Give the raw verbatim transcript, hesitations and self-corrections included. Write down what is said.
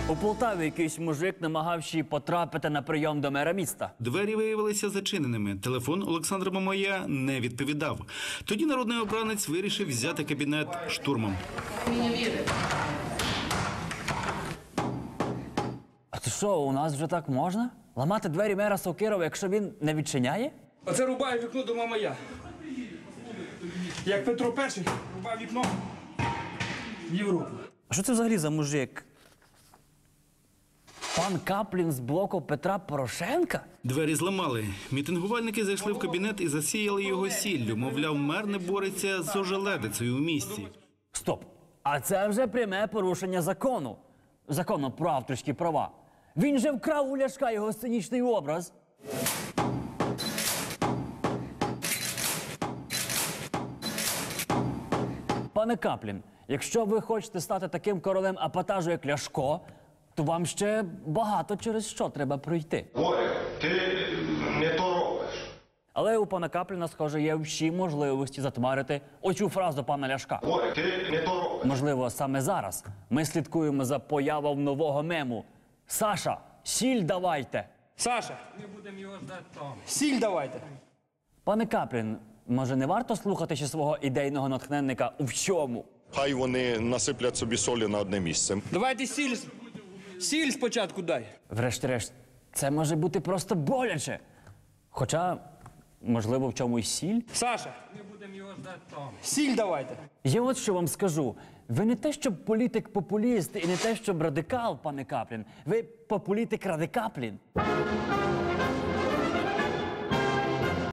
У Полтаві якийсь мужик, намагавши потрапити на прийом до мера міста. Двері виявилися зачиненими. Телефон Олександра Мамая не відповідав. Тоді народний обранець вирішив взяти кабінет штурмом. А це що, у нас вже так можна? Ламати двері мера Сокирова, якщо він не відчиняє? Оце рубає вікно до Мамая. Як Петро Перший рубав вікно в Європу. А що це взагалі за мужик? Пан Каплін з блоку Петра Порошенка? Двері зламали. Мітингувальники зайшли в кабінет і засіяли його сіллю. Мовляв, мер не бореться з ожеледицею у місті. Стоп! А це вже пряме порушення закону. Закону про авторські права. Він же вкрав у Ляшка його сценічний образ. Пане Каплін, якщо ви хочете стати таким королем епатажу, як Ляшко, то вам ще багато через що треба пройти. Боря, ти не то робиш. Але у пана Капліна, схоже, є всі можливості затмарити оцю фразу пана Ляшка. Боря, ти не то робиш. Можливо, саме зараз ми слідкуємо за появою нового мему. Саша, сіль давайте! Саша, ми будемо його ждати там. Сіль давайте. Пане Каплін, може не варто слухати ще свого ідейного натхненника у всьому? Хай вони насиплять собі солі на одне місце. Давайте сіль. Сіль спочатку дай. Врешті-решт, це може бути просто боляче. Хоча, можливо, в чомусь сіль? Саша, ми будемо його ждати там. Сіль давайте. Я от що вам скажу. Ви не те, щоб політик-популіст і не те, щоб радикал, пане Каплін. Ви популітик-радикаплін.